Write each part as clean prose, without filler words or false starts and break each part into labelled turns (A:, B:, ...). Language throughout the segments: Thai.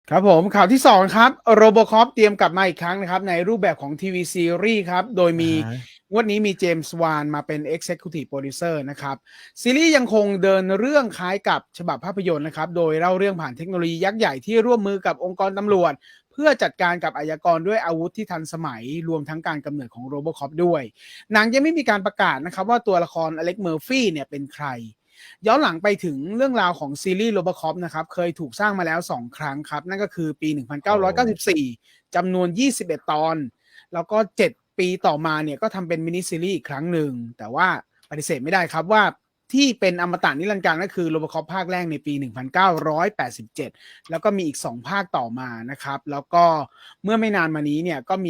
A: ครับผมข่าวที่2ครับ Robocop เตรียมกลับมาอีกครั้งนะครับในรูปแบบของทีวีซีรีส์ครับโดยมีงวดนี้มีเจมส์วานมาเป็น Executive Producer นะครับซีรีส์ยังคงเดินเรื่องคล้ายกับฉบับภาพยนตร์นะครับโดยเล่าเรื่องผ่านเทคโนโลยียักษ์ใหญ่ที่ร่วมมือกับองค์กรตำรวจเพื่อจัดการกับอาชญากรด้วยอาวุธที่ทันสมัยรวมทั้งการกำเนิดของ Robocop ด้วยหนังยังไม่มีการประกาศนะครับว่าตัวละครอเล็กเมอร์ฟี่เนี่ยเป็นใคร ย้อนหลังไปถึงเรื่องราวของซีรีส์ Robocop นะครับเคยถูกสร้างมาแล้ว2ครั้งครับนั่นก็คือปี 1994 จำนวน 21 ตอนแล้วก็7 ปีต่อมาเนี่ยก็ทำเป็นมินิซีรีส์อีกครั้งหนึ่งแต่ว่าปฏิเสธไม่ได้ครับว่าที่เป็นอมตะนิรันดร์การก็คือ Robocop ภาคแรกในปี 1987 แล้วก็มีอีก2ภาคต่อมานะครับแล้วก็เมื่อไม่นานมานี้เนี่ยก็มี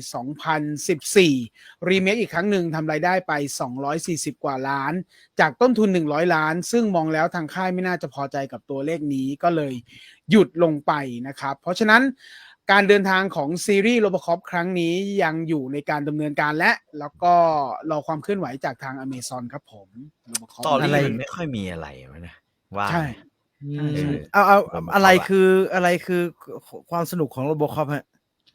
A: 2014 รีเมคอีกครั้งหนึ่งทำรายได้ไป240 กว่าล้านจากต้นทุน100 ล้านซึ่งมองแล้วทางค่ายไม่น่าจะพอใจกับตัวเลขนี้ก็เลยหยุดลงไปนะครับเพราะฉะนั้นการเดินทางของซีรีส์ Robocop ครั้งนี้ยังอยู่ในการดำเนินการและแล้วก็รอความเคลื่อนไหวจากทาง Amazon ครับผม Robocop
B: ตอรี่
C: อะไร
B: มันไม่ค่อยมีอะไรวะนะว่า
A: ใช่ ใช่ใช่
C: เอา
B: Robocop
C: อะไร
B: อะ
C: คือความสนุกของโรบอคอปฮะ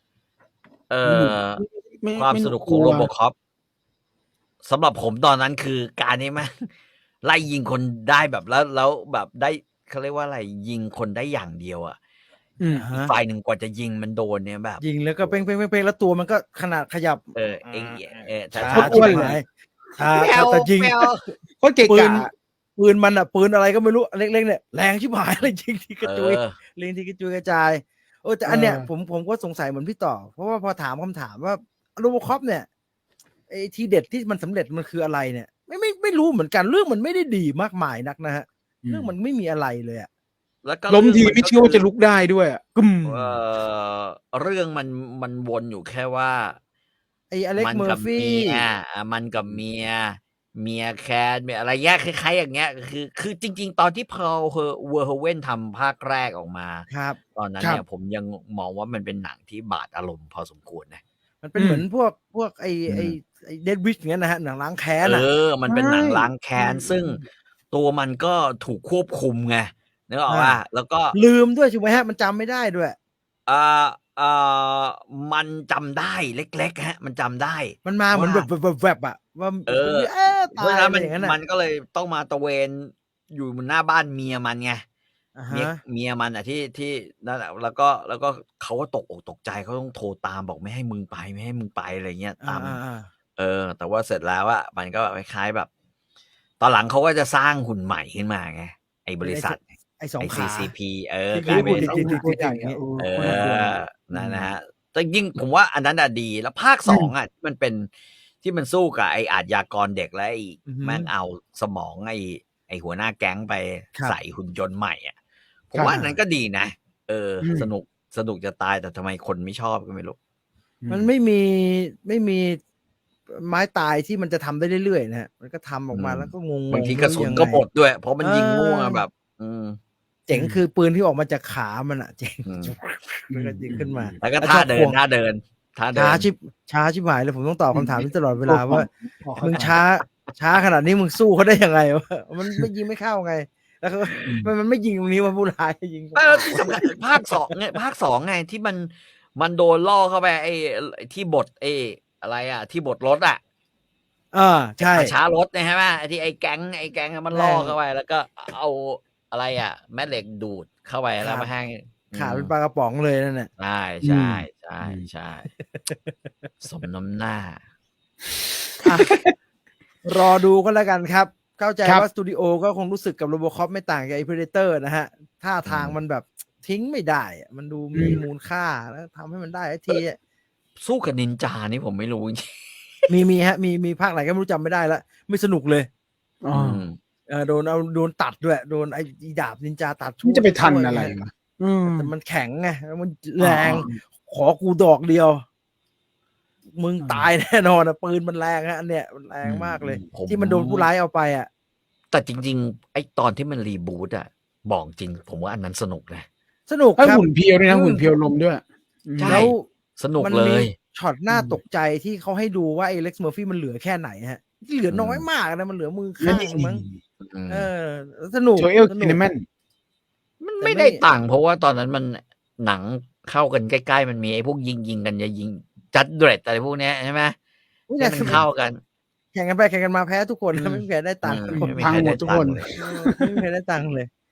B: ความสนุกของโรบอคอปสำหรับผมตอนนั้นคือการนี้มัน ไล่ยิงคนได้แบบแล้วแบบได้เขาเรียกว่าอะไรยิงคนได้อย่างเดียวอ่ะอีกฝ่ายหนึ่งกว่าจะยิงมันโดนเนี่ยแบบ
C: ยิงแล้วก็เป้งแล้วตัวมันก็ขนาดขยับ
B: ช้า
C: ช้า
B: ๆ
C: ชิบหายแต่ยิง
A: โคตรเก่ง
C: ปื
A: กะ
C: นมันอ่ะปืนอะไรก็ไม่รู้เล็กๆเนี่ยแรงชิบหายเลยยิงทีกระจุยเล็งทีกระจุยกระจายแต่อันเนี้ยผมก็สงสัยเหมือนพี่ต่อเพราะว่าพอถามคำถามว่าโรบอคอปเนี่ยไอ้ทีเด็ดที่มันสำเร็จมันคืออะไรเนี่ยไม่รู้เหมือนกันเรื่องมันไม่ได้ดีมากมายนักนะฮะเรื่องมันไม่มีอะไรเลยอ่ะ
B: แล้วก็
A: ล้มทีไม่เชื่อว่าจะลุกได้ด้วยกึม
B: เรื่องมันวนอยู่แค่ว่า
C: ไอ้อเล็กเมอร์ฟี่
B: มันกับเมียแคนอะไรแยกคล้ายๆอย่างเงี้ยคือจริงๆตอนที่เพร์ลเวอร์เฮเว่นทำภาคแรกออกมา
C: ครับ
B: ตอนนั้นเนี่ยผมยังมองว่ามันเป็นหนังที่บาดอารมณ์พอสมควรนะ
C: มันเป็นเหมือนพวกไอ้เดดวิชอย่างเงี้ยนะฮะหนังล้างแค้น
B: มันเป็นหนังล้างแค้นซึ่งตัวมันก็ถูกควบคุมไงนึกออกป่ะแล้วก็
C: ลืมด้วยใช่ไหมฮะมันจำไม่ได้ด้วย
B: มันจำได้เล็กๆฮะมันจำได้
C: มันมาเหมือนแบบอ่ะว่า
B: เพราะฉะ
C: ตาย
B: นั้น
C: อะไรอย่างนั้น
B: มันก็เลยต้องมาตะเวนอยู่บนหน้าบ้านเมียมันไง เมียมันอ่ะที่นั่นแหละแล้วก็เขาก็ตกอกตกใจเขาต้องโทรตามบอกไม่ให้มึงไปอะไรเงี้ยตามแต่ว่าเสร็จแล้วอ่ะมันก็คล้ายๆแบบ ตอนหลังเขาก็จะสร้างหุ่นใหม่ขึ้นมาไงไอ้บริษัท
C: ไอ้สองขา
B: CCP
C: กลายเป็นสอง
B: นั่นนะฮะแต่ยิ่งผมว่าอันนั้นอะดีแล้วภาค2อ่ะมันเป็นที่มันสู้กับไอ้อาชญากรเด็กและไอ้แม่งเอาสมองไอ้หัวหน้าแก๊งไปใส่หุ่นยนต์ใหม่อ่ะผมว่านั้นก็ดีนะสนุกจะตายแต่ทำไมคนไม่ชอบก็ไม่รู้
C: มันไม่มีไม้ตายที่มันจะทำได้เรื่อยๆนะฮะมันก็ทำออกมาแล้วก็งง
B: บางทีกระสุนก็หมดด้วยเพราะมันยิงมั่วแบบ
C: เจ๋งคือปืนที่ออกมาจากขามันอะเจ๋งมันก็ยิงขึ้นมา
B: แล้วก็ท่าเดิน
C: ช้าชิบหายเลยผมต้องตอบคำถามนี้ตลอดเวลาว่ามึงช้าขนาดนี้มึงสู้เขาได้ยังไงวะมันไม่ยิงไม่เข้าไงแล้วมันไม่ยิงตรงนี้ว่าผู้ร้ายยิง
B: ที่สำคัญภาค2เนี่ยภาค2ไงที่มันโดนล่อเข้าไปไอ้ที่บดอะไรอ่ะที่บดรถอ่ะ
C: ใช่
B: ช้ารถใช่ไหมที่ไอ้แก๊งมันล่อเข้าไปแล้วก็เอาอะไรอ่ะแม่เหล็กดูดเข้าไปแล้วมาให้
C: ขาเป็นปลากระป๋องเลยนั่นแหละ
B: ใช่สมน้ำหน้
C: ารอดูก็แล้วกันครับเข้าใจว่าสตูดิโอก็คงรู้สึกกับโรบอคอปไม่ต่างจากไอ้ Predator นะฮะท่าทางมันแบบทิ้งไม่ได้มันดูมีมูลค่าแล้วทำให้มันได้ที
B: สู้กับนินจานี่ผมไม่รู้
C: มีฮะมีภาคไหนก็ไม่รู้จำไม่ได้แล้วไม่สนุกเลยโดนตัดด้วยโดนไอ้ดาบนินจาตัด
A: จะไปทันอะไร
C: แต่มันแข็งไงมันแรงขอกูดอกเดียวมึงตายแน่นอนปืนมันแรงฮะอันเนี้ยมันแรงมากเลยที่มันโดนผู้ร้ายเอาไป
B: แต่จริงๆไอ้ตอนที่มันรีบูตบอกจริงผมว่าอันนั้นสนุกนะ
C: สนุกครับ
A: หุ่นเพียวด้วยนะหุ่นเพียวลมด้วย
C: แล้ว
B: สนุกเลย
C: ช็อตหน้าตกใจที่เขาให้ดูว่าไอ้เล็กซ์เมอร์ฟี่มันเหลือแค่ไหนฮะเหลือน้อยมากนะมันเหลือมือข้างมั้งสนุก
A: โชเอลคินแมน
B: มันไม่ได้ตังค์เพราะว่าตอนนั้นมันหนังเข้ากันใกล้ๆมันมีไอ้พวกยิงกันจะยิงจัดเดรดอะไรพวกเนี้ยใช่ไหม
C: อุ๊ย
B: ให้
C: แต่
B: มันเข้ากัน
C: แข่งกันไปแข่งกันมาแพ้ทุกคน
B: อืม
C: ไม่มีใครได้ตังค์
B: อืม
C: ทุกคน
B: ไม่มี
A: พัง
B: ใคร
A: หม
B: ได้
A: ดทุก
B: ตั
A: ค
B: ง
A: น
B: ค์เลย
C: ไม่มีใครได้ตังค์เลย